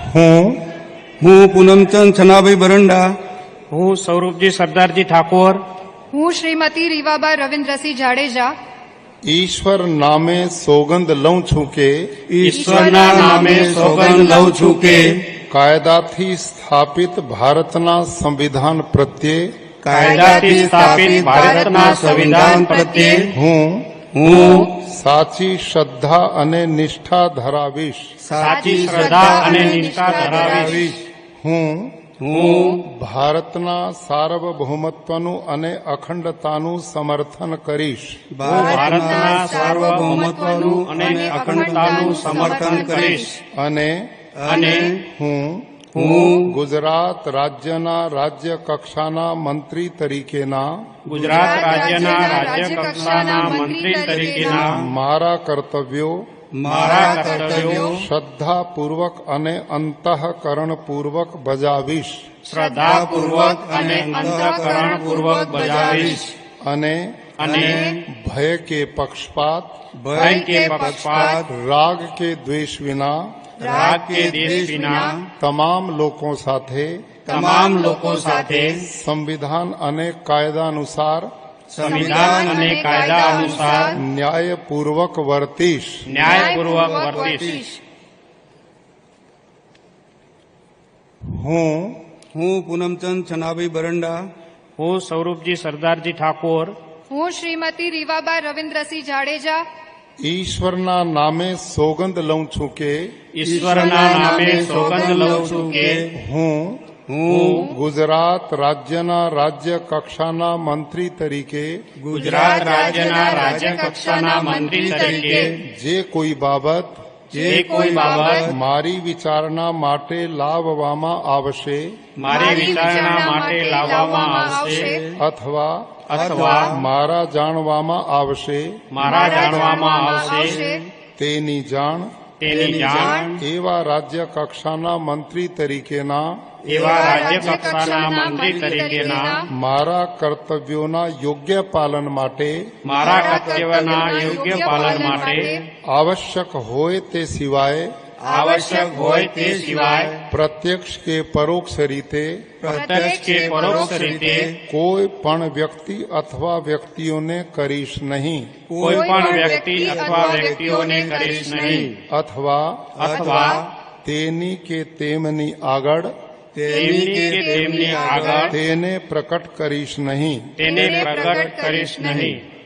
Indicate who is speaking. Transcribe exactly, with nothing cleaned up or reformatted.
Speaker 1: હું હું પૂનમચંદ છનાભાઈ બરંડા,
Speaker 2: હું સ્વરૂપજી સરદારજી ઠાકોર,
Speaker 3: હું શ્રીમતી રીવાબા રવિન્દ્રસિંહ જાડેજા
Speaker 4: ઈશ્વર નામે સોગંદ લઉં છું કે
Speaker 1: ઈશ્વરના નામે સોગંદ લઉં છું કે
Speaker 4: કાયદાથી સ્થાપિત ભારતના સંવિધાન પ્રત્યે
Speaker 1: કાયદાથી સ્થાપિત ભારતના સંવિધાન પ્રત્યે
Speaker 4: હું
Speaker 1: હું
Speaker 4: સાચી શ્રદ્ધા અને નિષ્ઠા ધરાવીશ.
Speaker 2: સાચી શ્રદ્ધા અને નિષ્ઠા ધરાવીશ.
Speaker 4: હું
Speaker 1: હું
Speaker 4: ભારતના સાર્વભૌમત્વનું અને અખંડતાનું સમર્થન કરીશ.
Speaker 2: ભારતના સાર્વભૌમત્વનું અને અખંડતાનું સમર્થન કરીશ.
Speaker 4: અને
Speaker 2: અને
Speaker 4: હું
Speaker 1: હું
Speaker 4: ગુજરાત રાજ્યના રાજ્ય કક્ષાના મંત્રી તરીકેના
Speaker 2: ગુજરાત રાજ્યના રાજ્ય કક્ષાના મંત્રી તરીકેના
Speaker 4: મારા કર્તવ્યો
Speaker 2: મારા કર્તવ્યો
Speaker 4: શ્રદ્ધાપૂર્વક અને અંતઃકરણપૂર્વક બજાવીશ.
Speaker 2: શ્રદ્ધાપૂર્વક અને અંતઃકરણપૂર્વક બજાવીશ.
Speaker 4: અને
Speaker 2: અને
Speaker 4: ભય કે પક્ષપાત
Speaker 2: ભય કે પક્ષપાત
Speaker 4: રાગ કે દ્વેષ વિના
Speaker 2: રાગ કે દેશ વિના
Speaker 4: તમામ લોકો સાથે
Speaker 2: તમામ લોકો સાથે
Speaker 4: સંવિધાન અને કાયદા અનુસાર
Speaker 2: સંવિધાન અને કાયદા અનુસાર
Speaker 4: ન્યાયપૂર્વક વર્તીશ.
Speaker 2: ન્યાયપૂર્વક વર્તીશ.
Speaker 4: હું
Speaker 1: હું પૂનમચંદ છનાભાઈ બરંડા,
Speaker 2: હું સ્વરૂપજી સરદારજી ઠાકોર,
Speaker 3: હું શ્રીમતી રીવાબા રવિન્દ્રસિંહ જાડેજા
Speaker 4: ઈશ્વરના નામે સોગંદ લઉં છું કે
Speaker 2: ઈશ્વરના નામે સોગંદ લઉં છું કે
Speaker 4: હું
Speaker 1: હું
Speaker 4: ગુજરાત રાજ્યના રાજ્ય કક્ષાના મંત્રી તરીકે
Speaker 2: ગુજરાત રાજ્યના રાજ્ય કક્ષાના મંત્રી તરીકે
Speaker 4: જે કોઈ બાબત
Speaker 2: જે કોઈ બાબત
Speaker 4: મારી વિચારણા માટે લાવવામાં આવશે
Speaker 2: મારી વિચારણા માટે લાવવામાં આવશે
Speaker 4: અથવા
Speaker 2: અથવા
Speaker 4: મારા જાણવામાં આવશે
Speaker 2: મારા જાણવામાં આવશે
Speaker 4: તેની જાણ
Speaker 2: તેની જાણ
Speaker 4: એવા રાજ્ય કક્ષાના મંત્રી તરીકેના
Speaker 2: એવા રાજ્ય કક્ષાના મંત્રી તરીકેના
Speaker 4: મારા કર્તવ્યોના યોગ્ય પાલન માટે
Speaker 2: મારા કર્તવ્યના યોગ્ય પાલન માટે
Speaker 4: આવશ્યક હોય તે સિવાય
Speaker 2: આવશ્યક હોય તે સિવાય
Speaker 4: પ્રત્યક્ષ કે પરોક્ષ રીતે
Speaker 2: પ્રત્યક્ષ કે પરોક્ષ રીતે
Speaker 4: કોઈ પણ વ્યક્તિ અથવા વ્યક્તિઓને કરીશ નહીં
Speaker 2: કોઈ પણ વ્યક્તિ અથવા વ્યક્તિઓને કરીશ નહીં
Speaker 4: અથવા
Speaker 2: અથવા
Speaker 4: તેની કે તેમની આગળ
Speaker 2: તેમની કે તેમની આગળ
Speaker 4: તેને પ્રકટ કરીશ નહીં.
Speaker 2: તેને પ્રગટ કરીશ નહીં.